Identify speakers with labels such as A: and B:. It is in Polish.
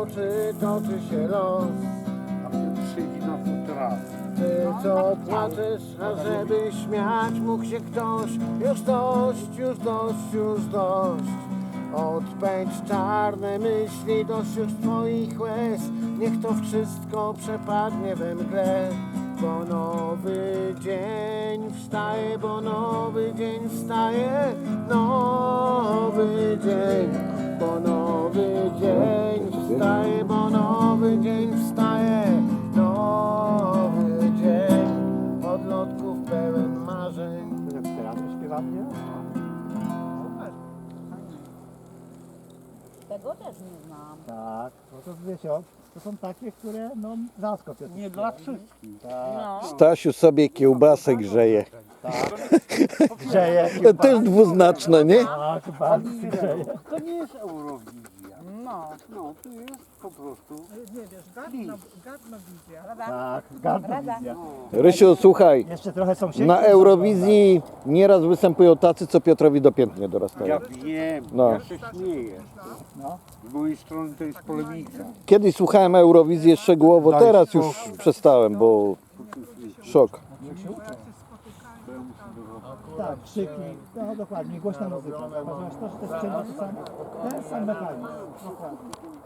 A: czy toczy się los.
B: A mnie przyjdzie na futra.
A: Ty co płaczesz, ażeby śmiać mógł się ktoś. Już dość, już dość, już dość. Odpędź czarne myśli, dość już twoich łez. Niech to wszystko przepadnie we mgle. Bo nowy dzień wstaje, bo nowy dzień wstaje. Nowy dzień, bo nowy dzień wstaje, bo nowy dzień wstaje. Nowy dzień, odlotków pełen marzeń.
C: Teraz śpiewamy?
D: Tego też nie znam.
C: Tak, no to wiecie, to są takie, które no zaskoczą.
B: Nie dla wszystkich.
C: Tak,
D: No.
E: Stasiu sobie kiełbasę grzeje.
C: grzeje.
E: To też dwuznaczne, nie?
C: Tak, bardzo grzeje.
B: To nie jest Eurowizja.
D: No.
B: No, to jest po prostu.
F: Nie wiesz, gadna wizja.
C: Tak, gardna wizja.
E: Rysiu, słuchaj,
C: Jeszcze trochę sąsiedzi.
E: na Eurowizji nieraz występują tacy, co Piotrowi do pięt nie dorastają.
B: Ja wiem,
E: No.
B: ja się śmieję.
C: No.
B: Z mojej strony to jest polemika.
E: Kiedyś słuchałem Eurowizji szczegółowo, teraz już przestałem, bo szok.
C: Tak, krzyki, no dokładnie, głośna muzyka. Ponieważ to, że te sprzęty to sam, ten sam mechanizm. Dokładnie.